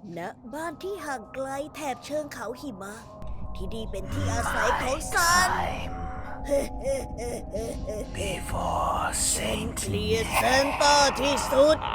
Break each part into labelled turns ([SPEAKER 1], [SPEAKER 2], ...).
[SPEAKER 1] ณบ้านที่ห่างไกลแถบเชิงเขาหิมะที่นี่เป็นที่อาศัยของซัน
[SPEAKER 2] Before
[SPEAKER 1] เกลียดเซนต้าที่สุด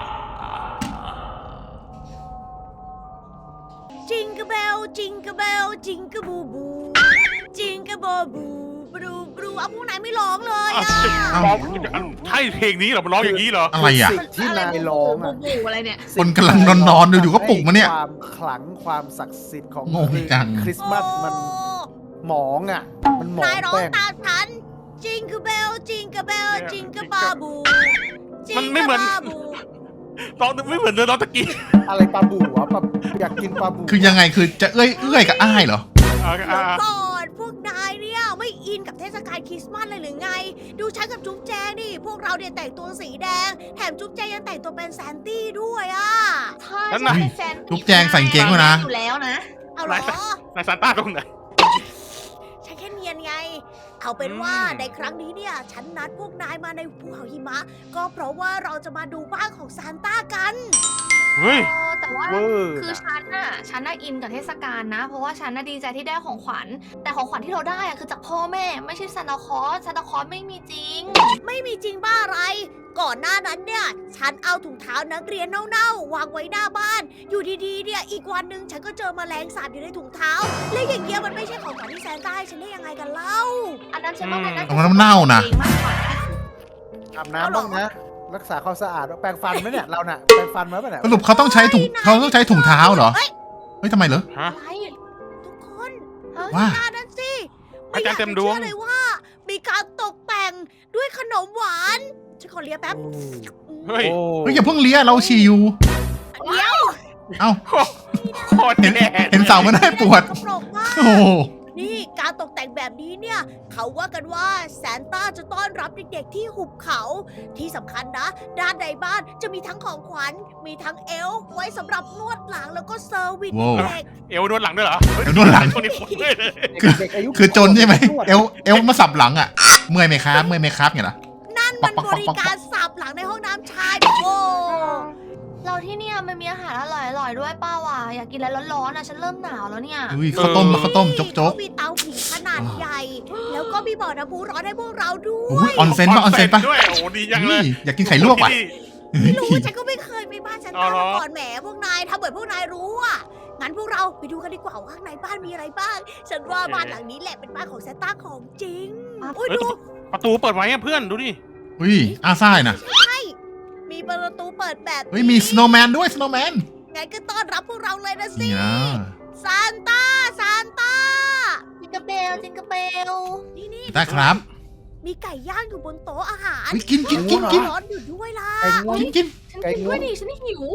[SPEAKER 1] จิงกะเบลจิงกะเบลจิงกะบูบูจิงกะบอบูบรูบรูเอาพวกไหนไม่ร้องเลยอ่ะ
[SPEAKER 2] ร้องใช่เพลงนี้เหรอมันร้องอย่างนี้เหรอ
[SPEAKER 3] อะไรอ่ะ
[SPEAKER 4] สิ่งที่นายร้องอ่ะ
[SPEAKER 5] บูอะไรเนี่ย
[SPEAKER 3] คนกำลังนอนอยู่ๆก็ปลุกมาเนี่ย
[SPEAKER 4] ความขลังความศักดิ์สิทธิ์ของ
[SPEAKER 3] งงจัง
[SPEAKER 4] คริสต์มาสมันหมองอ่ะ มันหมอง
[SPEAKER 1] นายร้อง
[SPEAKER 4] แป้ง
[SPEAKER 1] ตามฉันจิงกะเบลจิงกะเบลจิงกะบาบูจิง
[SPEAKER 2] มันไม่เหมือน
[SPEAKER 1] กะบาบู
[SPEAKER 2] ร้องไม่เหมือนเลยร้องตะกี้
[SPEAKER 4] อะไรปลาบู๋วะปลาอยากกินปลาบู๋
[SPEAKER 3] คือยังไงคือจะเอื้อยกับอ้ายเหรอ
[SPEAKER 1] เดี๋ยวก่อนพวกนายเนี่ยไม่อินกับเทศกาลคริสต์มาสเลยหรือไง ดูฉันกับจุ๊บแจงดิพวกเราเนี่ยแต่งตัวสีแดง แถมจุ๊บแจงยังแต่งตัวเป็นแซนตี้ด้วยอ่ะ
[SPEAKER 5] ใช่
[SPEAKER 2] นั่น
[SPEAKER 5] ใช่
[SPEAKER 2] น่ะ
[SPEAKER 5] เป็นแฟน
[SPEAKER 3] จุ๊บแจงใส่กางเกงด้วยนะ
[SPEAKER 5] อยู่แล้วนะ
[SPEAKER 1] เอาเหรอ
[SPEAKER 2] นายซานต้าตรงไหน
[SPEAKER 1] ฉันแค่เนียนไง เอาเป็นว่าในครั้งนี้เนี่ย ฉันนัดพวกนายมาในภูเขาหิมะ ก็เพราะว่าเราจะมาดูบ้านของซานต้ากัน
[SPEAKER 2] เฮ้ย
[SPEAKER 5] แต่ว่า
[SPEAKER 4] เวอร์
[SPEAKER 5] คือฉันน่ะอินกับเทศกาลนะ เพราะว่าฉันน่ะดีใจที่ได้ของขวัญ แต่ของขวัญที่เราได้อะคือจากพ่อแม่ ไม่ใช่ซานตาคลอสซานตาคลอสไม่มีจริง
[SPEAKER 1] ไม่มีจริงบ้าอะไร ก่อนหน้านั้นเนี่ย ฉันเอาถุงเท้านักเรียนเน่าๆวางไว้หน้าบ้าน อยู่ดีๆเนี่ยอีกวันหนึ่งฉันก็เจอแมลงสาบอยู่ในถุงเท้า และอย่างเงี้ยมันไม่ใช่ของขวัญที่แซนต้าให้ฉันได้ยังไงกันเล่า
[SPEAKER 5] อันนั้นฉันว่ามันน่าจะ
[SPEAKER 3] เอามันเน่านะ
[SPEAKER 5] จริงมากกว่า
[SPEAKER 4] อาบน้ำบ้างนะ รักษาความสะอาดแปรงฟันไหมเนี่ยเราน่ะแปรงฟันไหมเนี่ย
[SPEAKER 3] สรุปเขาต้องใช้ถุงเท้าเหรอ เฮ้ยทำไมเหรอ
[SPEAKER 2] ฮะ
[SPEAKER 5] อะไร
[SPEAKER 1] ทุกคน
[SPEAKER 5] ฮะ
[SPEAKER 3] ว่า
[SPEAKER 1] หน้านั้นสิ
[SPEAKER 2] อาจารย์เต็มดวง
[SPEAKER 1] ไอยากจะชื่อเลยว่า มีการตกแต่งด้วยขนมหวานฉันขอเลียแป๊บ
[SPEAKER 2] เฮ้ย
[SPEAKER 4] โอ้
[SPEAKER 3] เฮ้ยอย่าเพิ่งเลี้ยเราฉี่อยู่
[SPEAKER 1] เดี๋ยว
[SPEAKER 3] เอ้า
[SPEAKER 2] โคตรแย่
[SPEAKER 3] เห็นเสามันได้ปวด
[SPEAKER 1] กระโปรงมาก
[SPEAKER 3] โอ้โห
[SPEAKER 1] นี่การตกแต่งแบบนี้เนี่ย เขาว่ากันว่าซานต้าจะต้อนรับเด็กๆที่หุบเขา ที่สำคัญนะ ด้านในบ้านจะมีทั้งของขวัญ มีทั้งเอลฟ์ไว้สำหรับนวดหลังแล้วก็เซอร์วิส
[SPEAKER 3] ว้าว
[SPEAKER 1] เด็ก
[SPEAKER 2] เอวนวดหลังด้วยเหรอ
[SPEAKER 3] เอวนวดหลัง
[SPEAKER 2] ช่วงนี้คนเลย
[SPEAKER 4] เด็กอายุ
[SPEAKER 3] คือจนใช่ไหมเอวมาสับหลังอ่ะ เมื่อยไหมครับเมื่อยไหมครับเนี่ยเหรอ
[SPEAKER 1] ๆนั่นมันบริการสับหลังในห้องน้ำชายโอ้
[SPEAKER 5] เราที่เนี่ยมันมีอาหารอร่อยๆด้วยป้าว่ะอยากกินอะไรร้อนๆนะฉันเริ่มหนาวแล้วเนี่ย
[SPEAKER 3] อุ้ยข้าวต้มโจ๊ก
[SPEAKER 1] เขามีเตาผิงขนาดใหญ่ แล้วก็มีบ่อน้ำพุร้อนให้พวกเราด้
[SPEAKER 3] ๆอุ้
[SPEAKER 1] วย
[SPEAKER 3] ยออนเซ็นปะออนเซ็นปะ
[SPEAKER 2] ด้วยโอ้โหดีจังเลย
[SPEAKER 3] อุ้ยอยากกินไข่ลวกว่ะ
[SPEAKER 1] ไม่รู้ฉันก็ไม่เคยไปบ้านฉัน
[SPEAKER 2] อ๋อ
[SPEAKER 1] ตา
[SPEAKER 2] เหรอ
[SPEAKER 1] มาก่อนแหมพวกนายทำเหมือนพวกนายรู้อ่ะงั้นพวกเราไปดูกันดีกว่าว่าข้างในบ้านมีอะไรบ้าง ฉันว่าบ้านหลังนี้แหละเป็นบ้านของแซนต้าของจริงอุ้ย
[SPEAKER 2] เฮ้ย
[SPEAKER 1] ดู
[SPEAKER 2] ประตูเปิดไว้อะเพื่อนดูดิ
[SPEAKER 3] อุ้ยอาซ่ายนะ
[SPEAKER 1] ใช่มีประตูเปิดแบบนี้
[SPEAKER 3] เฮ้ยมีสโนว์แมนด้วยสโนว์แมน
[SPEAKER 1] งั้นก็ต้อนรับพวกเราเลยนะสิ
[SPEAKER 3] นี่นะ
[SPEAKER 1] ซานต้าซานต้า
[SPEAKER 5] จิงกะเบลจิงกะเบล
[SPEAKER 1] นี่
[SPEAKER 3] ได้ครับ
[SPEAKER 1] มีไก่ย่างอยู่บนโต๊ะอาหาร
[SPEAKER 3] เฮ้ยกิน
[SPEAKER 1] ร้อนอยู่ด้วยล่ะ
[SPEAKER 4] ไก่งวง
[SPEAKER 3] กิน
[SPEAKER 5] ฉันกินด้วยดิฉันหิว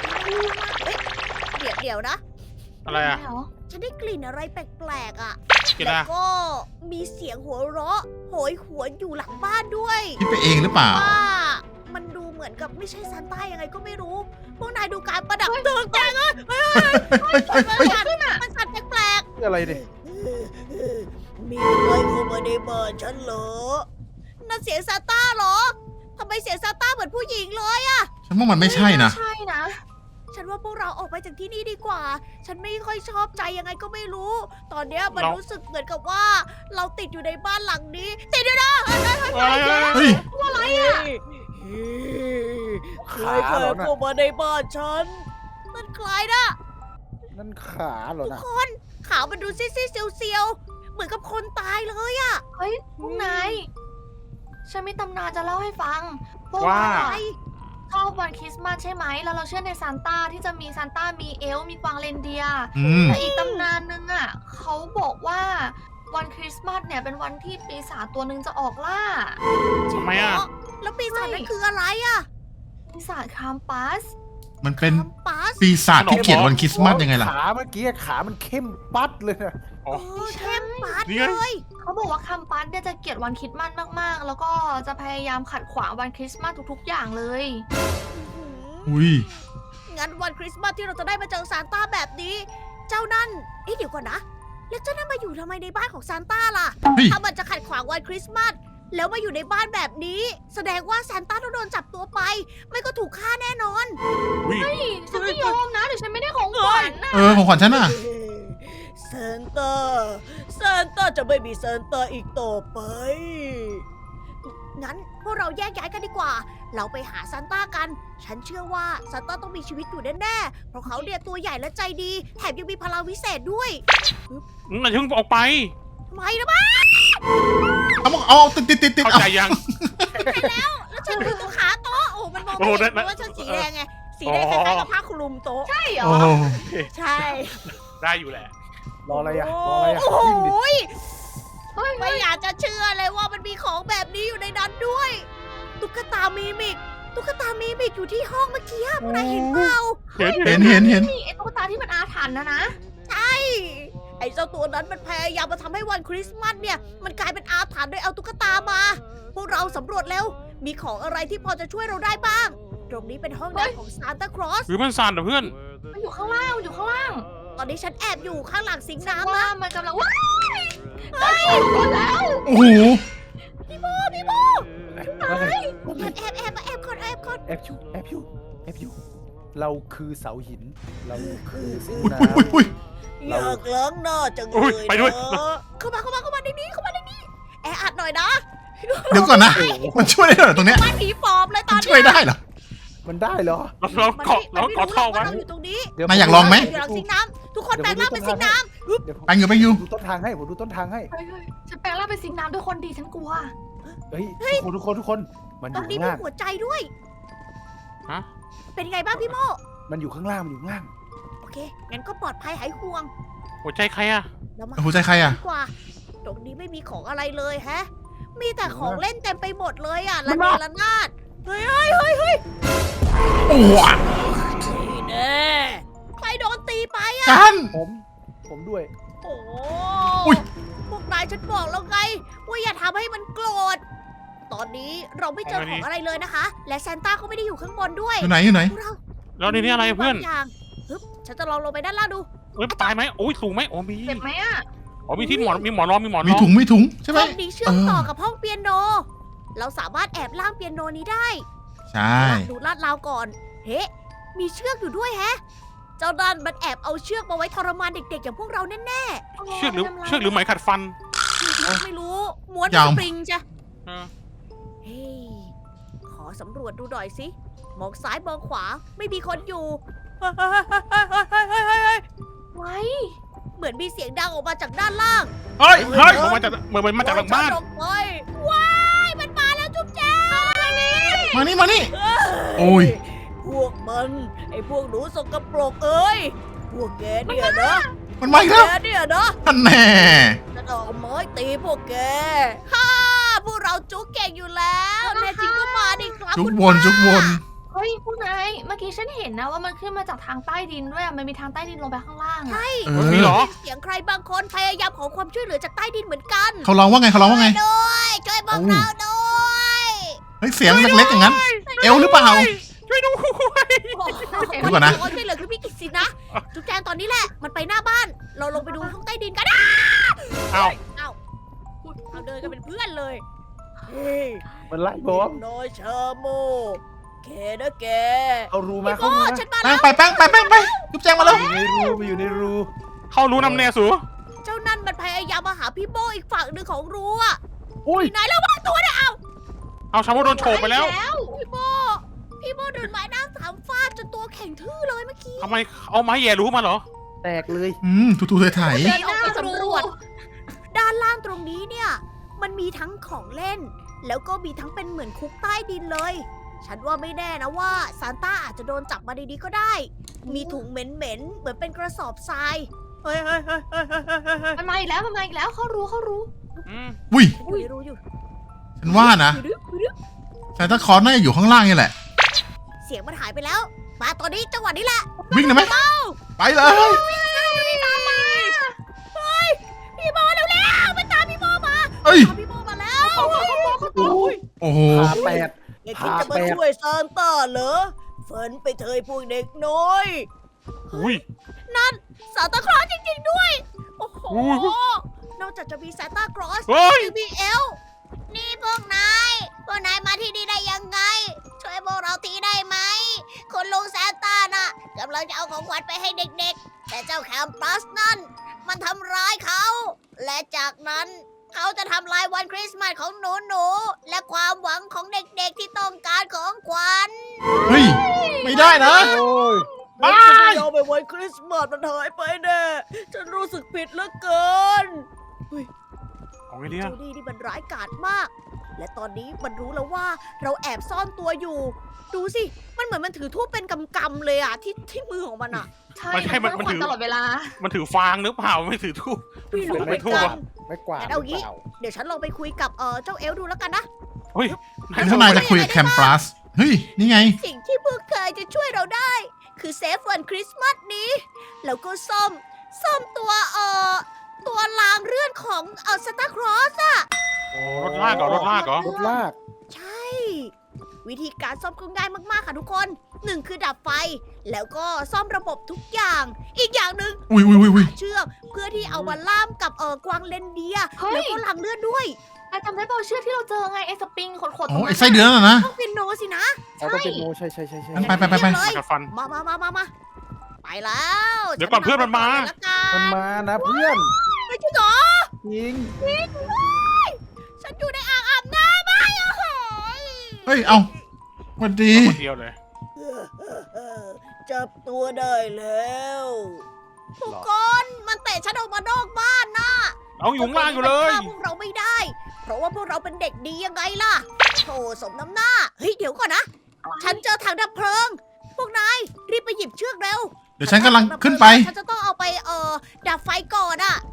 [SPEAKER 1] เดี๋ยวนะ
[SPEAKER 2] อะไรอะ
[SPEAKER 5] เหรอ
[SPEAKER 1] ฉันได้กลิ่นอะไรแปลกๆอ่ะ
[SPEAKER 2] กิน
[SPEAKER 1] แล้ว
[SPEAKER 2] อะ
[SPEAKER 1] ก็มีเสียงหัวเราะโหยหวนอยู่หลังบ้านด้วย
[SPEAKER 3] คิดไปเองหรือเปล่า
[SPEAKER 1] ว่ามันดูเหมือนกับไม่ใช่ซานต้ายังไงก็ไม่รู้ พวกนายดูการประดับตกแต่งอ่ะเฮ้ยมันสั่นแปลก
[SPEAKER 4] อะไรดิ
[SPEAKER 1] ๆมีใครเข้ามาในบ้านฉันเหรอนั่นเสียงซานต้าเหรอทำไมเสียงซานต้าเหมือนผู้หญิงเลยอะ
[SPEAKER 3] ฉันว่ามันไม่ใช่นะ
[SPEAKER 5] ใช่นะ
[SPEAKER 1] ฉันว่าพวกเราออกไปจากที่นี่ดีกว่า ฉันไม่ค่อยชอบใจยังไงก็ไม่รู้ ตอนเนี้ยมันรู้สึกเหมือนกับว่า เราติดอยู่ในบ้านหลังนี้ ติดอยู่นะ
[SPEAKER 3] เฮ้ย
[SPEAKER 1] อะไรอะใครเคยเข้ามาในบ้านฉัน มันคล้ายนะ
[SPEAKER 4] นั่นขาเหรอ
[SPEAKER 1] ทุก
[SPEAKER 4] นะ
[SPEAKER 1] คนขาวมันดูซีดๆเซียวๆเหมือนกับคนตายเลยอะ
[SPEAKER 5] เฮ้ยพวกนายฉันมีตำนานจะเล่าให้ฟังพวก
[SPEAKER 2] ว่า
[SPEAKER 5] เรา
[SPEAKER 1] ไอ
[SPEAKER 5] อะชอบวันคริสต์มาสใช่ไหมแล้วเราเชื่อในซานต้าที่จะมีซานต้ามีเอลฟ์มีกวางเรนเดียร์
[SPEAKER 3] อืม
[SPEAKER 5] แต่อีกตำนานนึงอ่ะเขาบอกว่าวันคริสต์มาสเนี่ยเป็นวันที่ปีศาจตัวหนึ่งจะออกล่า
[SPEAKER 2] ทำไมอะ
[SPEAKER 1] แล้วปีศาจนั้นคืออะไรอะ
[SPEAKER 5] ปีศาจคามปัส
[SPEAKER 3] มันเป็น
[SPEAKER 1] คัมปัส
[SPEAKER 3] ปีศาจที่เกลียดวันคริสต์มาสยังไงล่ะ
[SPEAKER 4] ขาเมื่อกี้ขามันเข้มปัดเลยนะ
[SPEAKER 2] อ๋อ
[SPEAKER 1] เข้มปัส
[SPEAKER 2] นี่ไง
[SPEAKER 1] เลย
[SPEAKER 5] เขาบอกว่าคามปัสเนี่ยจะเกลียดวันคริสต์มาสมากๆ แล้วก็จะพยายามขัดขวางวันคริสต์มาสทุกๆ อย่างเลย
[SPEAKER 3] อุ้ย
[SPEAKER 1] งั้นวันคริสต์มาสที่เราจะได้มาเจอซานต้าแบบนี้ เจ้านั่นเอ๊ะเดี๋ยวก่อนนะ แล้วเจ้านั่นมาอยู่ทำไมในบ้านของซานต้าล่ะ
[SPEAKER 3] เฮ้ย
[SPEAKER 1] ถ้ามันจะขัดขวางวันคริสต์มาสแล้วมาอยู่ในบ้านแบบนี้ แสดงว่าซานต้าต้องโดนจับตัวไป ไม่ก็ถูกฆ่าแน่นอน
[SPEAKER 2] วิ่ง
[SPEAKER 5] ฉันไม่ยอมนะเดี๋ยวฉันไม่ได้ของขวัญ
[SPEAKER 3] ของขวัญฉันน่ะ
[SPEAKER 1] เซนเตอร์จะไม่มีเซนเตอร์อีกต่อไป งั้นพวกเราแยกย้ายกันดีกว่า เราไปหาซานต้ากัน ฉันเชื่อว่าซานต้าต้องมีชีวิตอยู่แน่ๆ เพราะเขาเนี่ยตัวใหญ่และใจดี แถมยังมีพลังวิเศษด้วย
[SPEAKER 2] มันถึงออกไป
[SPEAKER 1] ทำไมนะบ้า
[SPEAKER 3] เอาติด
[SPEAKER 2] เข้า
[SPEAKER 3] เอา
[SPEAKER 2] ใจยัง
[SPEAKER 1] แล้วฉันอยู่ตรงขาโต๊ะ โอ้มันมองไม่
[SPEAKER 2] โอ้
[SPEAKER 1] เห็น
[SPEAKER 2] ได้
[SPEAKER 1] เพราะว่าฉันสีแดงไง สีแดงคล้ายๆกับผ้าคลุมโต๊ะ
[SPEAKER 5] ใช่เหรอ
[SPEAKER 3] โอ้
[SPEAKER 1] ใช่
[SPEAKER 2] ได้อยู่แหละ
[SPEAKER 4] รออะไรอ่ะ
[SPEAKER 1] โอ้
[SPEAKER 4] รออะไรอ่ะ
[SPEAKER 1] โห
[SPEAKER 4] วิ่งดิ
[SPEAKER 5] เฮ้ย
[SPEAKER 1] ไม่อยากจะเชื่อเลยว่ามันมีของแบบนี้อยู่ในนั้นด้วย ตุ๊กตามีมิกอยู่ที่ห้องเมื่อกี้พวกนายเห็นเปล่า
[SPEAKER 3] เห็น
[SPEAKER 5] นี่ไอ้ตุ๊กตาที่มันอาถรรพ์นะ
[SPEAKER 1] ไอ้เจ้าตัวนั้นมันพยายามมาทำให้วันคริสต์มาสเนี่ย มันกลายเป็นอาถรรพ์โดยเอาตุ๊กตามา พวกเราสำรวจแล้ว มีของอะไรที่พอจะช่วยเราได้บ้าง ตรงนี้เป็นห้องน้ำของซานตาคลอส
[SPEAKER 2] หรือมันสั่นเหรอเพื่อน
[SPEAKER 5] มันอยู่ข้างล่าง
[SPEAKER 1] ตอนนี้ฉันแอบอยู่ข้างหลังสิงค์
[SPEAKER 5] ว่า
[SPEAKER 1] น้ำนะ
[SPEAKER 5] มันกำลังว้ายเฮ้ยหมดแล้ว
[SPEAKER 3] โอ้โห
[SPEAKER 1] พี่โบ แอบก่อน
[SPEAKER 4] แอบอยู่เราคือเสาหิน เราคือสิง
[SPEAKER 3] อุ้ย
[SPEAKER 4] น้
[SPEAKER 3] อุ้ย
[SPEAKER 1] อยากล้างหน้าจังเล
[SPEAKER 2] อุ๊
[SPEAKER 1] ย
[SPEAKER 2] ยไปด้วย
[SPEAKER 1] นะเข้ามาในนี้แออัดหน่อยนะ
[SPEAKER 3] เดี๋ยวก่อนนะ มันช่วยได้เหรอตรงเนี้ย
[SPEAKER 1] บ้านผีปอบเลยตอน
[SPEAKER 3] มัน
[SPEAKER 1] เนี้
[SPEAKER 3] ช่วยได้เหรอ
[SPEAKER 4] ำมันได้เหรอ
[SPEAKER 2] เราเกาะเราเกาะท่อ
[SPEAKER 1] ว่า
[SPEAKER 2] ไว้
[SPEAKER 1] เราอยู่ตรงนี้
[SPEAKER 4] เดี๋ยว
[SPEAKER 3] นายอยากลองไหม
[SPEAKER 1] อยู่หลังสิงค์น้ำทุกคนแปลงร่างเป็นสิงค์น้ำ
[SPEAKER 4] เดี๋ยวผม
[SPEAKER 3] ไปอยู่
[SPEAKER 4] ดูต้นทางให้ผมดูต้นทางให้
[SPEAKER 5] เฮ้ยฉันแปลงร่างเป็นสิงน้ำด้วยคนดีฉันกลัว
[SPEAKER 4] เฮ้ยทุกคนมันอ
[SPEAKER 1] ตรง
[SPEAKER 4] ยู่
[SPEAKER 1] นี้
[SPEAKER 4] ข้าง
[SPEAKER 1] มี
[SPEAKER 4] ล่าง
[SPEAKER 1] หัวใจด้วย
[SPEAKER 2] ฮะ
[SPEAKER 1] เป็นไงบ้างพี่โม
[SPEAKER 4] มันอยู่ข้างล่าง
[SPEAKER 1] โอเค งั้นก็ปลอดภัยหายห่วง
[SPEAKER 2] หัวใจใครอะ
[SPEAKER 1] เรามา
[SPEAKER 3] หัวใจใครอ่ะ
[SPEAKER 1] ดีกว่า ตรงนี้ไม่มีของอะไรเลยแฮะ มีแต่ของเล่นเต็มไปหมดเลยอ่ะ
[SPEAKER 4] มั
[SPEAKER 1] ละ
[SPEAKER 4] น
[SPEAKER 1] เน
[SPEAKER 4] มา
[SPEAKER 1] ระนาดเฮ้ย
[SPEAKER 3] โอ้โห
[SPEAKER 1] นี่แน่ใครโดนตีไปอ่ะ
[SPEAKER 3] ฉัน
[SPEAKER 4] ผมด้วย
[SPEAKER 1] โอ้
[SPEAKER 3] อุ๊ย
[SPEAKER 1] พวกนายฉันบอกแล้วไง ว่าอย่าทำให้มันโกรธ ตอนนี้เราไม่เจอของอะไรเลยนะคะ และซานต้าก็ไม่ได้อยู่ข้างบนด้วย
[SPEAKER 3] อยู่ไหน
[SPEAKER 1] พวกเรา
[SPEAKER 2] แล้วในนี้อะไรเพื่อน
[SPEAKER 1] บางอย่างฮึบฉันจะลองลงไปด้านล่างดู
[SPEAKER 2] เอ้ยตายไหมโอ้ยสูงไหมโอ้มี
[SPEAKER 5] เจ็บไหมอะ
[SPEAKER 2] อ๋อมีที่หมอนมีหมอนรองมีหมอนร
[SPEAKER 3] มี
[SPEAKER 2] อง
[SPEAKER 3] ถุงใช่ไหม
[SPEAKER 1] ห้องนี้เชื่อมต่อ
[SPEAKER 3] เออ
[SPEAKER 1] กับห้องเปียโน เราสามารถแอบล่างเปียโนนี้ได้
[SPEAKER 3] ใช่
[SPEAKER 1] ดูลาดราวก่อน เฮ้มีเชือกอยู่ด้วยแฮะ เจ้าดันมันแอบเอาเชือกมาไว้ทรมานเด็กๆอย่างพวกเราแน่
[SPEAKER 2] เชือกหรือไหมขัดฟัน
[SPEAKER 1] ๆไม่รู้ ม้วนเป็นสปริงจ้ะ
[SPEAKER 2] เออ
[SPEAKER 1] เฮ้ยขอสำรวจดูหน่อยสิ มองซ้ายมองขวา ไม่มีคนอยู่
[SPEAKER 5] ไว้
[SPEAKER 1] เหมือนมีเสียงดังออกมาจากด้านล่าง
[SPEAKER 3] เฮ้ย
[SPEAKER 2] มันมาจากเหมือนมาจากหลังบ้าน
[SPEAKER 1] โอ้ยฉัออกไปว้ายมันมาแล้วจุ๊บแจ๊บ
[SPEAKER 3] มานี่ โอ้ย
[SPEAKER 1] พวกมัน ไอ้พวกหนูสกปรกเอ้ย พวกแกเนี่ยนะ
[SPEAKER 3] มันมาอีกแล้ว
[SPEAKER 1] แกเนี่ยนะ
[SPEAKER 3] ท่านแน่
[SPEAKER 1] จะเอาไม้ตีพวกแก ฮ่า พวกเราจุกเก่งอยู่แล้วแน่จริงก็มาดิครับ
[SPEAKER 3] จุก
[SPEAKER 1] คุณ
[SPEAKER 3] วน
[SPEAKER 5] เฮ้ยพวกนายเมื่อกี้ฉันเห็นนะว่ามันขึ้นมาจากทางใต้ดินด้วยอะมันมีทางใต้ดินลงไปข้างล่างอะ
[SPEAKER 1] ใช่
[SPEAKER 3] เอ
[SPEAKER 2] มีเหรอ
[SPEAKER 1] เสียงใครบางคนพยายามขอความช่วยเหลือจากใต้ดินเหมือนกัน
[SPEAKER 3] เขาร้องว่าไง
[SPEAKER 1] ด้วยช่วยพวกเราด้วย
[SPEAKER 3] เฮ้ย เสียงเล็กๆอย่างนั้น เอลหรือเปล่า
[SPEAKER 2] ช่วยด้วย
[SPEAKER 3] เดี๋ยวก่อนนะ
[SPEAKER 1] ขอช่วยเหลือคือพี่กิตสินะ จุ๊บแจงตอนนี้แหละ มันไปหน้าบ้าน เราลงไปดูห้องใต้ดินกัน
[SPEAKER 2] เอ้า
[SPEAKER 1] เราเดินกันเป็นเพื่อนเลย เฮ้ย
[SPEAKER 4] มันไล่ผม
[SPEAKER 1] น้อยเชอร์โมแกนะแก
[SPEAKER 4] เอารูมา
[SPEAKER 1] พี่โม
[SPEAKER 4] เข้ารูมา
[SPEAKER 1] ฉันมา
[SPEAKER 3] แป้
[SPEAKER 1] แล้
[SPEAKER 3] ง
[SPEAKER 1] ว
[SPEAKER 3] ไปแป้งไปจุ๊บแจงมาแล้ว
[SPEAKER 4] อยู่ในรู
[SPEAKER 2] เข้ารู้นำแน่สู
[SPEAKER 1] เจ้านั่นมันพยายามมาหาพี่โมอีกฝั่งหนึ่งของรั้ว
[SPEAKER 4] อุ้ย
[SPEAKER 1] ไหนระวังตัวนะ
[SPEAKER 2] เอาชาวโมโดนโฉบไปแล้ว
[SPEAKER 1] พี่โมโดนไม้หน้าสามฟาดจนตัวแข็งทื่อเลยเมื่อกี้
[SPEAKER 2] ทำไมเอาไม้แย่รู้มาเหรอ
[SPEAKER 4] แตกเลย
[SPEAKER 3] ถูๆไถ่
[SPEAKER 1] เดินออกไปสำรวจ ด้านล่างตรงนี้เนี่ย มันมีทั้งของเล่น แล้วก็มีทั้งเป็นเหมือนคุกใต้ดินเลย ฉันว่าไม่แน่นะว่าซานต้าอาจจะโดนจับมาดีๆก็ได้ มีถุงเหม็นๆ เหมือนเป็นกระสอบทราย เฮ้ย
[SPEAKER 5] มันมาอีกแล้วเขารู้
[SPEAKER 2] อืม
[SPEAKER 3] อุ้ย
[SPEAKER 1] อยู่ในรูอยู่
[SPEAKER 3] ฉันว่านะซานตาคลอสน่าจะอยู่ข้างล่างนี่แหละ
[SPEAKER 1] เสียงมันหายไปแล้ว มาตอนนี้จังหวะนี้แหละ
[SPEAKER 3] วิ่งเลยไหมไปเลย
[SPEAKER 1] พี่โมเร็วๆมันตามพี่โมมา
[SPEAKER 3] เอ้ย
[SPEAKER 1] ตามพี่โมมาแล้ว
[SPEAKER 4] อุ้ย
[SPEAKER 3] โอ้โห
[SPEAKER 4] ขาแปด
[SPEAKER 1] อย่าคิดจะมาช่วยซานต้าเหรอฝันไปเถอะพวกเด็กน้อย
[SPEAKER 2] อุ้ย
[SPEAKER 1] ซานตาคลอสจริงๆด้วย โอ้โห
[SPEAKER 2] อุ้ย
[SPEAKER 1] นอกจากจะมีซานตาคลอส
[SPEAKER 2] เฮ้ย
[SPEAKER 1] ยังมีเอลฟ์นี่พวกนายพวกนายมาที่นี่ได้ยังไง ช่วยพวกเราทีได้ไหมคุณลุงซานต้าน่ะกำลังจะเอาของขวัญไปให้เด็กๆ แต่เจ้าแคมปัสนั่นมันทำร้ายเขา และจากนั้นเขาจะทำลายวันคริสต์มาสของหนูๆและความหวังของเด็กๆที่ต้องการของขวัญ
[SPEAKER 3] เฮ้ย ไม่ได้นะ
[SPEAKER 4] โอ้ย
[SPEAKER 1] ฉันจะไม่ยอมไปวันคริสต์มาสมันหายไปแน่ฉันรู้สึกผิดเหลือเกิน
[SPEAKER 2] เอาไงดีอะ
[SPEAKER 1] จูดี้นี่มันร้ายกาจมาก และตอนนี้มันรู้แล้วว่าเราแอบซ่อนตัวอยู่ ดูสิ มันเหมือนมันถือทูบเป็นกำๆเลยอะที่มือของมันอะ
[SPEAKER 5] ใช่
[SPEAKER 2] ไม่ใช่มัน
[SPEAKER 5] ขวัญ
[SPEAKER 2] ถือ
[SPEAKER 5] ตลอดเวลา
[SPEAKER 2] มันถือฟางหรือเปล่าไม่ถือทูบ
[SPEAKER 1] ไม่รู้เหมือน
[SPEAKER 2] ทูบ
[SPEAKER 1] กั
[SPEAKER 2] อะ
[SPEAKER 1] น
[SPEAKER 4] ไม่กวาด
[SPEAKER 1] งั้นเอางี้
[SPEAKER 4] หรืปล่
[SPEAKER 1] เดี๋ยวฉันลองไปคุยกับเจ้าเอลดูแล้วกันนะ
[SPEAKER 2] เฮ้ย
[SPEAKER 3] เป็นทนายจะคุยกับแคมปัส เฮ้ย นี่ไง
[SPEAKER 1] สิ่งที่พวกเธอจะช่วยเราได้ คือเซฟวันคริสต์มาสนี้ แล้วก็ซ่อมตัวรางเลื่อนของซานตาคลอสอะ
[SPEAKER 2] รถลากเหรอรถลากเหรอ
[SPEAKER 4] รถลาก
[SPEAKER 1] ใช่ วิธีการซ่อมก็ง่ายมากๆค่ะทุกคนหนึ่งคือดับไฟ แล้วก็ซ่อมระบบทุกอย่าง อีกอย่างหนึ่ง
[SPEAKER 3] อุ้ยอุ้ยอุ้ยอุ้ย
[SPEAKER 1] เชือกเพื่อที่เอามาล่ามกับกวางเลนเดียร์
[SPEAKER 5] เฮ้ย
[SPEAKER 1] แล้วก็รางเลื่อนด้วย
[SPEAKER 5] นายจำได้เปล่าเชือกที่เราเจอไงไอ้สปริงขดๆต
[SPEAKER 3] โอ้
[SPEAKER 5] รง
[SPEAKER 3] ไอ้
[SPEAKER 5] นั้น
[SPEAKER 3] ไส้เดือนน่ะนะ
[SPEAKER 1] ต้องเป็นโนสินะ
[SPEAKER 4] เอาต้องเป็นโมใช่ใช่
[SPEAKER 3] ไปไปไปไป
[SPEAKER 1] เลย
[SPEAKER 2] กัดฟัน
[SPEAKER 1] มาไปแล้ว
[SPEAKER 2] เดี๋ยวก่อนเพื่อนมันมา
[SPEAKER 1] ฉันนำไปก่อนเลยละกั
[SPEAKER 4] มันมานะเพื่อน
[SPEAKER 1] ไม่จริงเหรอ
[SPEAKER 4] จริง
[SPEAKER 1] ฉันอยู่ในอ่างอาบน้ำไม่โอ้โห
[SPEAKER 3] เฮ้ย เอาสวัสดี
[SPEAKER 2] คนเดียวเลย
[SPEAKER 1] จับตัวได้แล้วทุกคนมันเตะฉันออกมานอกบ้านนะ
[SPEAKER 2] เอาอยู่ข้างล่างอยู่เลย
[SPEAKER 1] มันฆ่าพวกเราไม่ได้ เพราะว่าพวกเราเป็นเด็กดียังไงล่ะโธ่สมน้ำหน้า เฮ้ยเดี๋ยวก่อนนะ ฉันเจอถังดับเพลิง พวกนายรีบไปหยิบเชือกเร็ว
[SPEAKER 3] เดี๋ยวฉันกำลังขึ้นไป
[SPEAKER 1] ฉันจะต้องเอาไปดับไฟก่อนอะ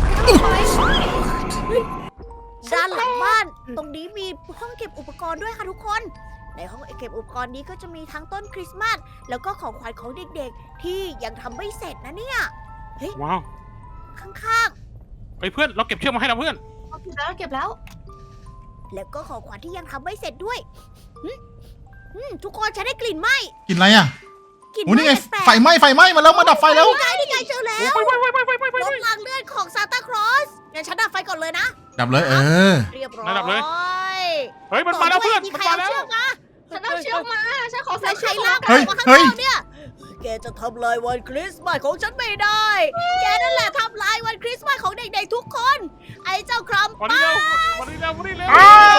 [SPEAKER 1] ด้านหลังบ้าน ตรงนี้มีห้องเก็บอุปกรณ์ด้วยค่ะทุกคน ในห้องเก็บอุปกรณ์นี้ก็จะมีทั้งต้นคริสต์มาสแล้วก็ของขวัญของเด็กๆ ที่ยังทำไม่เสร็จนะเนี่ย
[SPEAKER 2] ว้าว
[SPEAKER 1] ข้าง
[SPEAKER 2] เฮ้ยเพื่อนเราเก็บเชือกมาให้เราเพื่อน
[SPEAKER 5] เอาเก็บแล้ว
[SPEAKER 1] ๆ แล้วก็ของขวัญที่ยังทำไม่เสร็จด้วยทุกคนฉันได้กลิ่นไหม
[SPEAKER 3] กินอะไรอ่ะ
[SPEAKER 1] กลิ่น
[SPEAKER 3] โอ้นี่ไง
[SPEAKER 1] แปลกๆ
[SPEAKER 3] ไฟไหม้มาแล้ว มาดับไฟแล้ว
[SPEAKER 1] นี่ไงเจอแล้ว
[SPEAKER 2] ไป
[SPEAKER 1] รถรางเลื่อนของซานตาคลอสงั้นฉันดับไฟก่อนเลยนะ
[SPEAKER 3] ดับเลย เออ
[SPEAKER 1] เรียบร้อย
[SPEAKER 2] ระดับเลย เฮ้ยมันมาแล้วเพื่อน
[SPEAKER 1] มี
[SPEAKER 2] มัน
[SPEAKER 1] ใคร
[SPEAKER 2] มา
[SPEAKER 1] เอา
[SPEAKER 2] แล้ว
[SPEAKER 1] เชือกมา
[SPEAKER 5] ฉันเอาเชือกมาฉันขอใส่
[SPEAKER 1] ใส่
[SPEAKER 5] เชื
[SPEAKER 1] ใช้
[SPEAKER 5] อก
[SPEAKER 1] ลาก
[SPEAKER 5] มา
[SPEAKER 1] ออกมาข้าง
[SPEAKER 3] เฮ้ย
[SPEAKER 1] นอกเนี่ย แกจะทำลายวันคริสต์มาสของฉันไม่ได้ แกนั่นแหละทำลายวันคริสต์มาสของเด็กๆทุกคน ไอ้เจ้าครัม
[SPEAKER 2] วันนี้เร็ววันนี้เร็ววันนี้เร็ว
[SPEAKER 3] อ้าว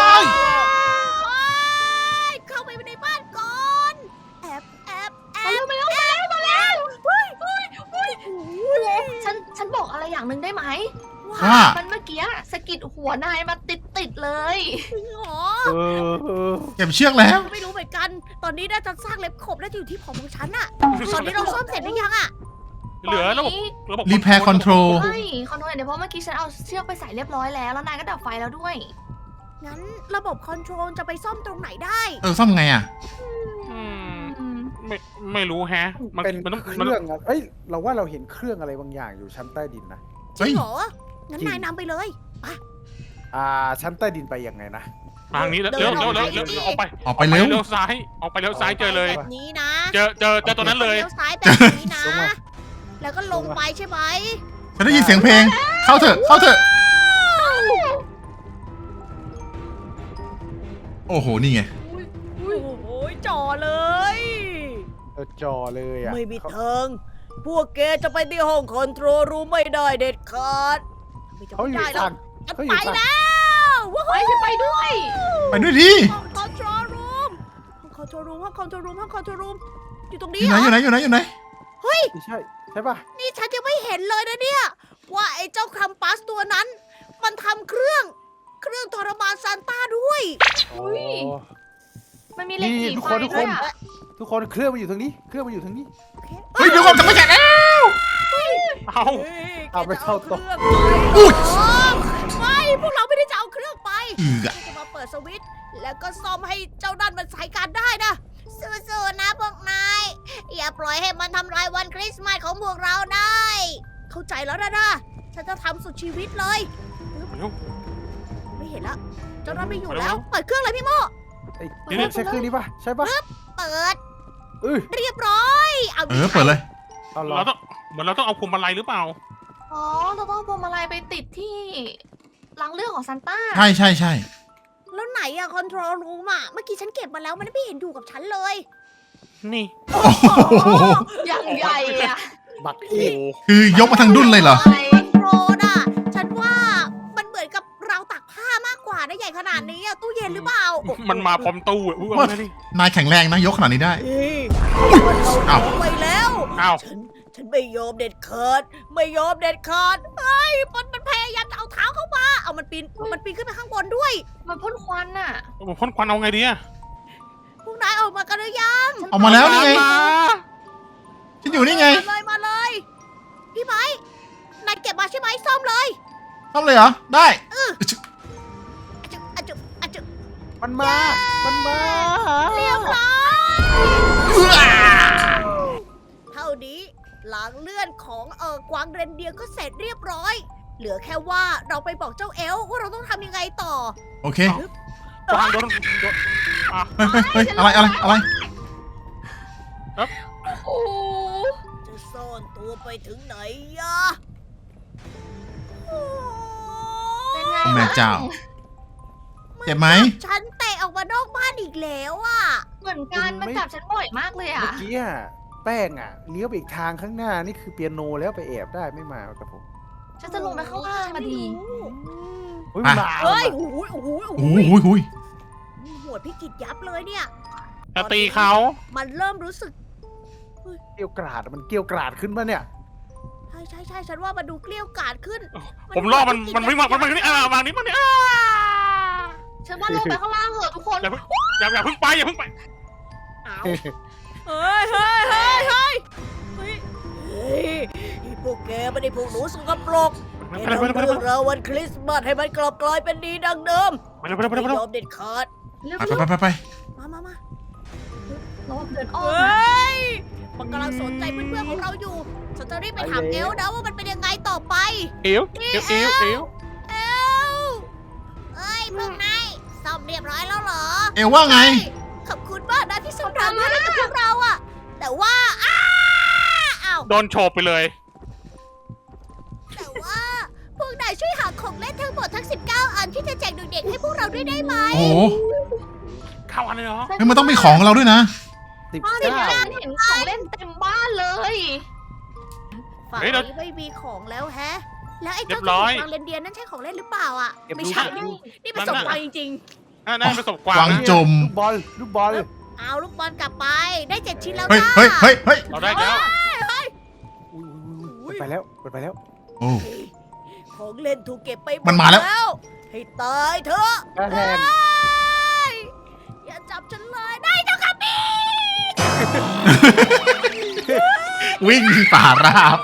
[SPEAKER 1] เข้าไปในบ้านก่อน แอบ
[SPEAKER 5] มาแล้วฉันบอกอะไรอย่างหนึ่งได้ไหม
[SPEAKER 3] ว่า
[SPEAKER 5] มันเมื่อกี้สะกิดหัวนายมาติดเลย
[SPEAKER 1] จริงเหรอ
[SPEAKER 4] เออ
[SPEAKER 3] เก็บเชือกแล้ว
[SPEAKER 1] ไม่รู้เหมือนกัน ตอนนี้น่าจะสร้างเล็บขบน่าจะอยู่ที่ผมของฉันอะตอนนี้เราซ่อมเสร็จหรือยังอะ
[SPEAKER 2] เหลือระบบ
[SPEAKER 3] Repair Control
[SPEAKER 5] ใช่คอนโทรลเดี๋ยวเพราะเมื่อกี้ฉันเอาเชือกไปใส่เรียบร้อยแล้วนายก็ดับไฟแล้วด้วย
[SPEAKER 1] งั้นระบบคอนโทรลจะไปซ่อมตรงไหนได้
[SPEAKER 3] ซ่อมไงอ่ะ
[SPEAKER 2] อืมไม่รู้แฮะ
[SPEAKER 4] เป็น
[SPEAKER 2] มันต้อง
[SPEAKER 4] เค
[SPEAKER 2] มัน
[SPEAKER 4] รื่องอะเอ้ย เราว่าเราเห็นเครื่องอะไรบางอย่างอยู่ชั้นใต้ดินนะ
[SPEAKER 1] จริงเหรอ งั้น
[SPEAKER 4] จริง
[SPEAKER 1] นายนำไปเลย
[SPEAKER 4] ชั้นใต้ดินไปยังไงนะ
[SPEAKER 2] ทางนี้แล้วเร็วออกไป
[SPEAKER 3] ออกไปเร็ว
[SPEAKER 2] เลี้ยวซ้ายออกไปเลี้ยวซ้ายเจอเลย
[SPEAKER 1] แบบนี้นะ
[SPEAKER 2] เจอตัวนั้นเลย
[SPEAKER 1] เลี้ยวซ้ายแบบนี้นะ
[SPEAKER 4] ลงมา
[SPEAKER 1] แล้วก็ลงไปใช่ไหม
[SPEAKER 3] ฉันได้ยินเสียงเพลง เข้าเถอะ โอ้โห นี่ไง
[SPEAKER 1] โอ้โหจ่อเลย
[SPEAKER 4] จอเลยอ่ะ
[SPEAKER 1] ไม่มีทาง พวกแกจะไปที่ห้องคอนโทรลรูมไม่ได้เด็ดขาดไม่จะ
[SPEAKER 4] เขา
[SPEAKER 1] ไม่
[SPEAKER 4] อยู่
[SPEAKER 1] ได้แล้ว
[SPEAKER 4] ฝั่ง
[SPEAKER 1] ฉัน
[SPEAKER 4] เขาอ
[SPEAKER 1] ไป
[SPEAKER 4] ยู่ฝั่ง
[SPEAKER 1] แล้วว้าว
[SPEAKER 5] ไปฉันไปด้วย
[SPEAKER 3] ไปด้วยดิ
[SPEAKER 1] ห้องคอนโทรลรูมห้องคอนโทรลรูมอยู่ตรง
[SPEAKER 3] อ
[SPEAKER 1] นี้
[SPEAKER 3] ยู่
[SPEAKER 1] เห
[SPEAKER 3] ไหน
[SPEAKER 1] รอ
[SPEAKER 3] อยู่ไหนอยู่ไหน
[SPEAKER 4] ไม่ใช่ ใช่ป่ะ
[SPEAKER 1] นี่ฉันยังไม่เห็นเลยนะเนี่ย ว่าไอ้เจ้าครัมปัสตัวนั้น มันทำเครื่องทรมานซานต้าด้วย
[SPEAKER 5] อุ๊ย มันมีเหล็ก
[SPEAKER 4] นี่
[SPEAKER 5] สี
[SPEAKER 4] ทุก
[SPEAKER 5] ไฟ
[SPEAKER 4] คนทุกคน
[SPEAKER 5] ด้วยอะ
[SPEAKER 4] ทุกคนเครื่องมันอยู่ทางนี้ เครื่องมันอยู่ทางนี้
[SPEAKER 3] เฮ้ย เดี๋ยวก่อนจะไม่แกะแล้ว
[SPEAKER 2] เอา
[SPEAKER 4] เอาไปเข้าตัว
[SPEAKER 3] อุ๊ย
[SPEAKER 1] ไม่พวกเราไม่ได้จะเอาเครื่องไป
[SPEAKER 3] อืออะ
[SPEAKER 1] จะมาเปิดสวิตช์แล้วก็ซ่อมให้เจ้านั่นมันใช้การได้นะสู้ๆนะพวกนายอย่าปล่อยให้มันทำลายวันคริสต์มาสของพวกเราได้ เข้าใจแล้วนะฉันจะทำสุดชีวิตเลย ไม่เห็นแล้วเจ้านั่นไม่อยู่แล้ว เปิดเครื่องเลยพี่โม
[SPEAKER 4] ไอ้ใช่เครื่องนี้ป่ะ ใช่ป่ะ
[SPEAKER 1] เปิด
[SPEAKER 4] เ
[SPEAKER 1] เรียบร้อยเอา
[SPEAKER 3] เปิดเลย
[SPEAKER 4] เอาเหรอ
[SPEAKER 2] เราต้องเหมือนเราต้องเอาพวงมาลัยหรือเปล่า
[SPEAKER 5] อ๋อเราต้องเอาพวงมาลัยไปติดที่รังเรื่องของซานต้า
[SPEAKER 3] ใช่
[SPEAKER 1] แล้วไหนอะคอนโทรลรูมอะเมื่อกี้ฉันเก็บมาแล้วมันไม่เห็นอยู่กับฉันเลย
[SPEAKER 2] นี่
[SPEAKER 3] โอ้โห
[SPEAKER 5] อย่างใหญ่อะ
[SPEAKER 4] บัก
[SPEAKER 2] โอ้
[SPEAKER 4] อี
[SPEAKER 2] โห
[SPEAKER 3] คือยกมาทั้งดุนเลยเหรอ
[SPEAKER 1] คอนโทรลอะฉันว่ามันเหมือนกับเราวตากผ้ามากกว่านะใหญ่ขนาดนี้อะตู้เย็นหรือเปล่า
[SPEAKER 2] มันมาพร้อมตู้อ่ะอุ้ยเอามาดิ
[SPEAKER 3] นายแข็งแรงนะยกขนาดนี้ได้
[SPEAKER 1] นี่มัน
[SPEAKER 3] อ้า
[SPEAKER 1] เอา
[SPEAKER 3] ว
[SPEAKER 1] ไปแล้ว
[SPEAKER 2] อ้าว
[SPEAKER 1] ฉันไม่ยอมเด็ดขาดไม่ยอมเด็ดขาดเฮ้ยมันพยายามจะเอาเท้าเข้ามาเอามันปีนขึ้นไปข้างบนด้วย
[SPEAKER 5] มันพ่นควันอะ
[SPEAKER 2] ผมพ่นควันเอาไงดีอะ
[SPEAKER 1] พวกนายออกมากันหรือยัง
[SPEAKER 3] ออกมาแล้วนี่ไง
[SPEAKER 2] มา
[SPEAKER 3] ฉันอยู่นี่ไง
[SPEAKER 1] มาเลยพี่ไม้นายเก็บมาใช่ไหมซ่อมเลย
[SPEAKER 3] ทำเลยเหรอ ได้
[SPEAKER 1] อะจุ
[SPEAKER 4] มันมา มันมา
[SPEAKER 1] เรียบร้อยเท่านี้หลังเลื่อนของกวางเรนเดียร์ก็เสร็จเรียบร้อย เหลือแค่ว่าเราไปบอกเจ้าเอลว่าเราต้องทำยังไงต่อ
[SPEAKER 3] โอเค
[SPEAKER 2] วางโดนอ่ะ
[SPEAKER 3] เฮ้ยอะไร
[SPEAKER 5] โอ้
[SPEAKER 1] จะซ่อนตัวไปถึงไหนยะ
[SPEAKER 5] เป็นไง
[SPEAKER 3] แม่เจ้า เจ็บไหม
[SPEAKER 1] ฉันเตะออกมานอกบ้านอีกแล้วอ่ะ
[SPEAKER 5] เหมือนกันมันจับฉันบ่อยมากเลยอะ
[SPEAKER 4] เมื่อกี้อะแป้งอะเลี้ยวไปอีกทางข้างหน้า นี่คือเปียโนแล้วไปแอบได้ไม่มากับผม
[SPEAKER 5] ฉันจะลงไปข้างล่างอะดี
[SPEAKER 4] เฮ้ย
[SPEAKER 3] อ่ะ
[SPEAKER 4] มา
[SPEAKER 1] เฮ้ย
[SPEAKER 4] ว่ะ
[SPEAKER 1] โอ้โห
[SPEAKER 3] โอ้โห
[SPEAKER 1] หัวดพี่กิจยับเลยเนี่ย
[SPEAKER 2] จะตีเขา
[SPEAKER 1] มันเริ่มรู้สึก
[SPEAKER 4] เกลียวกราดอะมันเกลียวกราดขึ้นมาเนี่ย
[SPEAKER 1] ใช่ฉันว่ามันดูเกลี้ยวกล่อมขึ้น
[SPEAKER 2] ผมล่อมันไม่มามันนี่วางนี้มันนี่
[SPEAKER 5] ฉันว่าลงไปข้างล่างเถอะทุกคน
[SPEAKER 2] อย่าเพิ่งไปอย่าเพิ่งไป
[SPEAKER 1] เอาเฮ้ยพวกแกไม่ได้พวกหนูสกปรก
[SPEAKER 2] ไป
[SPEAKER 1] แก
[SPEAKER 2] เลย
[SPEAKER 1] ทำ
[SPEAKER 2] ไปเลย
[SPEAKER 1] เรื่องราววันคริสต์มาสให้มันกลับกลายเป็นดีดังเดิม
[SPEAKER 2] ไปเลย
[SPEAKER 1] ไม่
[SPEAKER 2] ไปเลย
[SPEAKER 1] ยอมเด็ดขาด
[SPEAKER 5] เร็ว
[SPEAKER 3] ไป
[SPEAKER 1] มา
[SPEAKER 5] เราเดินอ้อ
[SPEAKER 1] เฮ
[SPEAKER 5] มนะ
[SPEAKER 1] ้ย มันกำลังสนใจเพื่อนๆของเราอยู่ ฉันจะรีบไปถามเอลนะว่ามันเป็นยังไงต่อไป
[SPEAKER 2] เอว
[SPEAKER 1] เอ้ยพวกนายซ่อมเรียบร้อยแล้วเหรอ
[SPEAKER 3] เอวว่าไง
[SPEAKER 1] ขอบคุณมากนะที่ส่งทางมาให้กับพวกเราอะแต่ว่าอ้าว
[SPEAKER 2] โดนโฉบไปเลย
[SPEAKER 1] แต่ว่าพวกนายช่วยหาของเล่นทั้งหมดทั้ง 19 อันที่จะแจกเด็กๆให้พวกเราด้วยได้ไหม
[SPEAKER 3] โอ้โห
[SPEAKER 2] เข้าอันเลยเหรอ
[SPEAKER 3] เฮ้ยมันต้องมีของเราด้วยนะ
[SPEAKER 4] สิบ
[SPEAKER 5] บ้าน
[SPEAKER 4] เก้า
[SPEAKER 5] ฉันเห็นของเล่นเต็มบ้านเลย
[SPEAKER 1] ฝั่งนี้ไม่มีของแล้วแฮะ แล้วไอ้เจ้าตัวฟางเรนเดียร์นั่นใช่ของเล่นหรือเปล่าอะ
[SPEAKER 4] เก็บ
[SPEAKER 1] ไม่
[SPEAKER 4] ลูก
[SPEAKER 1] ใช่
[SPEAKER 4] เก็บลูก
[SPEAKER 1] นี่เป็นสมบัติจริง
[SPEAKER 2] น่าประสบกวาง
[SPEAKER 3] กวางจม
[SPEAKER 4] ลูกบอล ลูกบอล
[SPEAKER 1] ๆ เอาลูกบอลกลับไป ได้ 7 ชิ้นแล้ว
[SPEAKER 3] เฮ้ย
[SPEAKER 1] จ้า
[SPEAKER 3] เฮ้ยเฮ้ยเฮ้ย
[SPEAKER 2] เราได้แล้ว
[SPEAKER 4] ไปแล้วไปแล้ว
[SPEAKER 3] โอ้
[SPEAKER 1] ของเล่นถูกเก็บไปหด
[SPEAKER 3] มันมาแล้ว
[SPEAKER 1] ให้ตายเถอะ
[SPEAKER 4] กระแทง
[SPEAKER 1] อย่าจับฉันเลยได้เจ้าค่ะพี่
[SPEAKER 3] วิ่งป่าราบ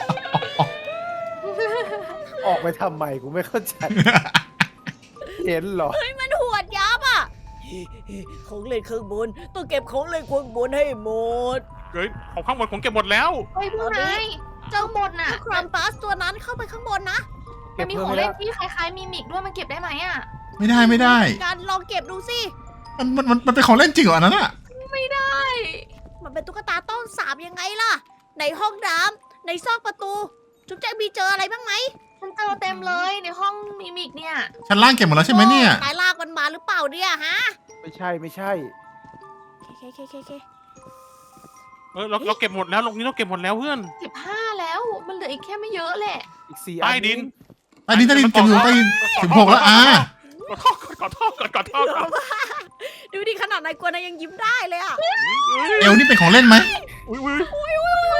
[SPEAKER 4] ออกไปทำไมกูไม่เข้าใจ เห็นเหรอ
[SPEAKER 1] เฮ้ยมันหวดยับอ่ะของเล่นข้างบนต้องเก็บของเล่นข้างบนให้หมด
[SPEAKER 2] เฮ้ยของข้างบนผมเก็บหมดแล้ว
[SPEAKER 5] เฮ้ยพวกนายเจ้าหมดน่ะ
[SPEAKER 1] ครัมปัสตัวนั้นเข้าไปข้างบนนะ
[SPEAKER 5] มันมีของเล่นที่คล้ายๆมิมิกด้วยมันเก็บได้ไหมอะ
[SPEAKER 3] ไม่ได้
[SPEAKER 1] การลองเก็บดูสิ
[SPEAKER 3] มันเป็นของเล่นจริงเหรออันนั้นอะ
[SPEAKER 5] ไม่ได้
[SPEAKER 1] มันเป็นตุ๊กตาต้นสาบยังไงล่ะ ในห้องน้ำในซอกประตู จุ๊บแจ๊กมีเจออะไรบ้างไหม
[SPEAKER 5] ฉันเจอเต็มเลยในห้องมิมิกเนี่ย
[SPEAKER 3] ชั้นล่างเก็บหมดแล้วใช่ไหมเนี่ย
[SPEAKER 1] นายลากมันมาหรือเปล่าเนี่ยฮะ
[SPEAKER 4] ไม่ใช่ไม่ใช่
[SPEAKER 1] เค
[SPEAKER 2] เราเก็บหมดแล้วลงนี้เราเก็บหมดแล้วเพื่อน
[SPEAKER 5] 15แล้วมันเหลืออีกแค่ไม่เยอะแหละ
[SPEAKER 4] อีก4
[SPEAKER 2] ใต้ดิน
[SPEAKER 3] ใต้ดินเก็บอยู่ใต้ดิน16แล้ว
[SPEAKER 2] ขอโทษก่อน
[SPEAKER 1] ดูดิขนาดนายกลัวนายยังยิ้มได้เลยอ่ะ
[SPEAKER 3] เอวนี่เป็นของเล่นไหม
[SPEAKER 2] อุ้ย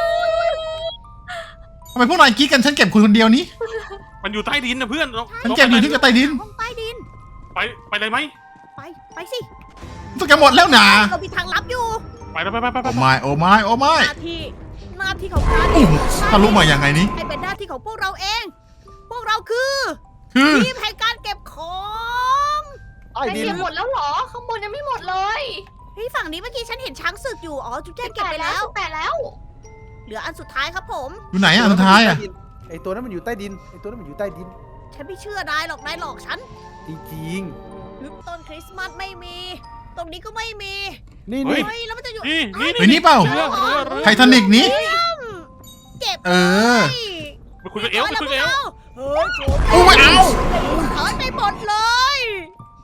[SPEAKER 3] ทำไมพวกนายกิ๊กกันฉันเก็บคุณคนเดียวนี้
[SPEAKER 2] มันอยู่ใต้ดินนะเพื่อน
[SPEAKER 3] ฉันเก็บอยู่ที่กระใต้ดิน
[SPEAKER 1] ห้องใต้ดิน
[SPEAKER 2] ไปเลยไหม
[SPEAKER 1] ไปสิ
[SPEAKER 3] ต้องเก็บหมดแล้วนะ
[SPEAKER 1] เรามีทางลับอยู่
[SPEAKER 2] ไป
[SPEAKER 3] โอ้ไม่โอ้ไม่
[SPEAKER 1] หน้าที่ของการ
[SPEAKER 3] โอ้โหทะลุมาอย่างไงนี้
[SPEAKER 1] ให้เป็นหน้าที่ของพวกเราเอง พวกเราคือ
[SPEAKER 3] คือ
[SPEAKER 1] ทีมแห่งการเก็บของ
[SPEAKER 4] ใต้
[SPEAKER 5] ไอ
[SPEAKER 4] ดิน
[SPEAKER 5] เก็บหมดแล้วเหรอ ข้างบนยังไม่หมดเลย
[SPEAKER 1] เฮ้ยฝั่งนี้เมื่อกี้ฉันเห็นช้างศึกอยู่ อ๋อ จุ๊บแจ๊กเก็บไปแล้ว
[SPEAKER 5] แต่แล้ว
[SPEAKER 1] เหลืออันสุดท้ายครับผม
[SPEAKER 3] อยู่ไหนอ่ะสุดท้ายอ่ะ
[SPEAKER 4] ไอตัวนั้นมันอยู่ใต้ดิน ไอตัวนั้นมันอยู่ใต้ดิน
[SPEAKER 1] ฉันไม่เชื่อนายหรอกนายหลอกฉัน
[SPEAKER 4] จริง
[SPEAKER 1] ต้นคริสต์มาสไม่มี ตรงนี้ก็ไม่มี
[SPEAKER 4] ๆ นี่
[SPEAKER 2] เฮ้
[SPEAKER 4] นี่
[SPEAKER 2] ย
[SPEAKER 1] เฮ้ย แล้วมันจะอยู่
[SPEAKER 2] นี่
[SPEAKER 3] เฮ้ยนี่เปล่า ไททานิกนี้
[SPEAKER 1] เก็บ
[SPEAKER 3] เออ
[SPEAKER 2] ไปคุยกับเอล
[SPEAKER 1] เฮ้ยโถ
[SPEAKER 3] โอ้ไม่เอา
[SPEAKER 1] ถอนไปหมดเลย
[SPEAKER 3] โ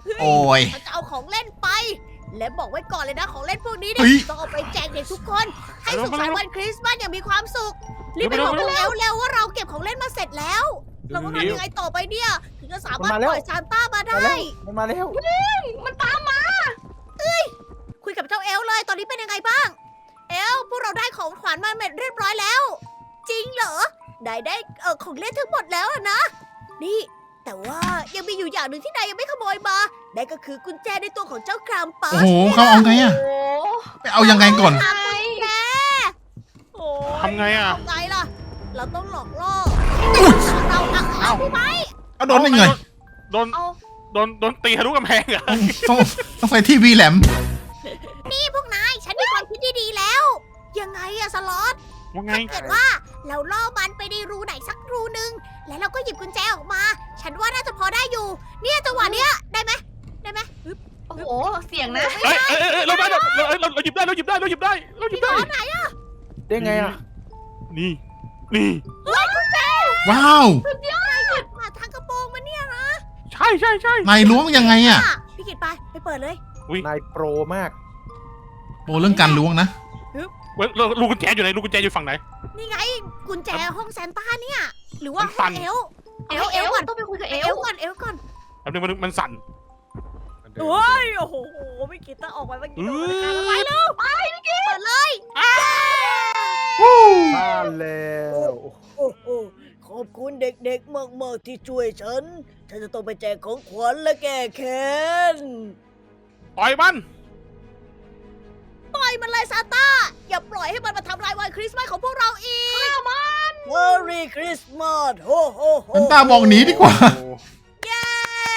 [SPEAKER 3] โอ้ย
[SPEAKER 1] ฉันจะเอาของเล่นไป และบอกไว้ก่อนเลยนะของเล่นพวกนี้เนี่
[SPEAKER 3] เฮ้
[SPEAKER 1] ย
[SPEAKER 3] ย
[SPEAKER 1] ต้องเอาไปแจกเด็กทุกคน ให้สุขสันต์วันคริสต์มาสอย่างมีความสุข รีบไปบอกกันเร็วว่าเราเก็บของเล่นมาเสร็จแล้ว เราต้องทำยังไงต่อไปเนี่ย ถึงจะสามารถปล่อยซานต้ามาได้
[SPEAKER 4] มันมาแล้ว
[SPEAKER 5] มันตามมา
[SPEAKER 1] คุยกับเจ้าเอลเลยตอนนี้เป็นยังไงบ้าง เอลพวกเราได้ของขวัญมาเรียบร้อยแล้ว จริงเหรอ ได้ของเล่นทั้งหมดแล้วอะนะ นี่ แต่ว่ายังมีอยู่อย่างหนึ่งที่นายยังไม่ขโมยมานั่นก็คือกุญแจในตัวของเจ้าครามปั
[SPEAKER 3] โอ้
[SPEAKER 1] ส
[SPEAKER 3] โหเขาเอาไงอะ
[SPEAKER 5] โอ้
[SPEAKER 3] ไปเอายังไงก่อน
[SPEAKER 1] ทำกุญแจโอ้ย
[SPEAKER 2] ทำไงอะ
[SPEAKER 1] ทำไงล่ะ เราต้องหลอกล่อเราเอาพี่ไม้
[SPEAKER 3] เอาโดนได้ไง
[SPEAKER 2] โดน
[SPEAKER 5] เอา
[SPEAKER 2] โดนตีทะลุกำแพงเหรอ
[SPEAKER 3] ต้องไปที่วีแหลม
[SPEAKER 1] นี่พวกนาย ฉันมีความคิดที่ดีแล้ว ยังไงอะสล็อต
[SPEAKER 2] ว่าไง
[SPEAKER 1] ถ้าเกิดว่าเราล่อมันไปในรูไหนสักรูนึง แล้วเราก็หยิบกุญแจออกมา ฉันว่าน่าจะพอได้อยู่ เนี่ยจังหวะเนี้ยได้ไหมได้ไหมฮึบ
[SPEAKER 5] โอ้โห เสียงนะ
[SPEAKER 2] เอ้ยเราได้เราหยิบได้เราหยิบได้เราหยิบได้เราหยิบได้
[SPEAKER 1] ไหนอะ
[SPEAKER 4] ได้ไงอ่ะ
[SPEAKER 2] นี่นี่
[SPEAKER 3] ว้าว
[SPEAKER 1] มาทางกระโปรงมันเนี่ยนะ
[SPEAKER 2] ใช่
[SPEAKER 3] นายล้วงยังไงอะ
[SPEAKER 1] พี่กิตไปเปิดเลย
[SPEAKER 4] นายโปรมาก
[SPEAKER 3] โปรเรื่องการล้วงนะ
[SPEAKER 2] เว้ยลูกกุญแจอยู่ไหนลูกกุญแจอยู่ฝั่งไหน
[SPEAKER 1] นี่ไงกุญแจห้องแซนต้าเนี่ย หรือว่า
[SPEAKER 2] มันสั่
[SPEAKER 1] ห้อง
[SPEAKER 2] น
[SPEAKER 1] เอล
[SPEAKER 5] เอลก่อนต้องไปคุยกับเอ
[SPEAKER 1] เอ
[SPEAKER 5] ล
[SPEAKER 1] ลก่อนเอลก่อน
[SPEAKER 2] แป๊บนึงมันสั่น
[SPEAKER 1] โอ้ยโอ้โหพี่กิตต้องออกไปเมื่อกี้โดนการไปแล้วไปพี่กิตเปิดเลย
[SPEAKER 4] มาแล้ว
[SPEAKER 1] โอ้โหขอบคุณเด็กๆมากๆที่ช่วยฉัน ฉันจะต้องไปแจกของขวัญและแก้แค้น
[SPEAKER 2] ปล่อยมัน
[SPEAKER 1] ปล่อยมันเลยซานต้า อย่าปล่อยให้มันมาทำลายวันคริสต์มาสของพวกเราอีกมัน Merry Christmas โฮโฮโฮ
[SPEAKER 3] ซันต้าบอกหนีดีกว่า
[SPEAKER 1] เย้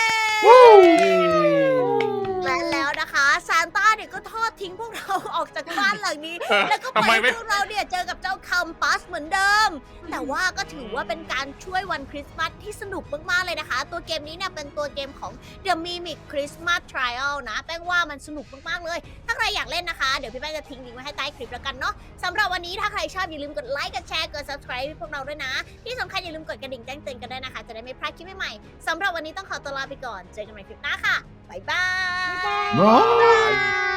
[SPEAKER 1] และแล้วนะคะซานต้าเนี่ยก็ทอดทิ้งพวกเราออกจากบ้านหลังนี้ แล้วก็ป
[SPEAKER 2] ทำ
[SPEAKER 1] ล่
[SPEAKER 2] ไม
[SPEAKER 1] อย
[SPEAKER 2] ไม่
[SPEAKER 1] ให้พวกเราเนี่ยเจอกับเจ้าคัมปัสเหมือนเดิม แต่ว่าก็ถือว่าเป็นการช่วยวันคริสต์มาสที่สนุกมากๆเลยนะคะ ตัวเกมนี้เนี่ยเป็นตัวเกมของ The Mimic Christmas Trial นะ แป้งว่ามันสนุกมากๆเลย ถ้าใครอยากเล่นนะคะ เดี๋ยวพี่แป้งจะทิ้งลิงก์ไว้ให้ใต้คลิปแล้วกันเนาะสำหรับวันนี้ถ้าใครชอบอย่าลืมกดไลค์กดแชร์กด subscribe ให้พวกเราด้วยนะ ที่สำคัญอย่าลืมกดกระดิ่งแจ้งเตือนกันด้วยนะคะ จะได้ไม่พลาดคลิปใหม่ๆสำหรับวันนี้ต้องขอตัวลาไปก่อน เจอกันใหม่คลิปหน้าค่ะบ๊ายบาย
[SPEAKER 3] บ๊ายบาย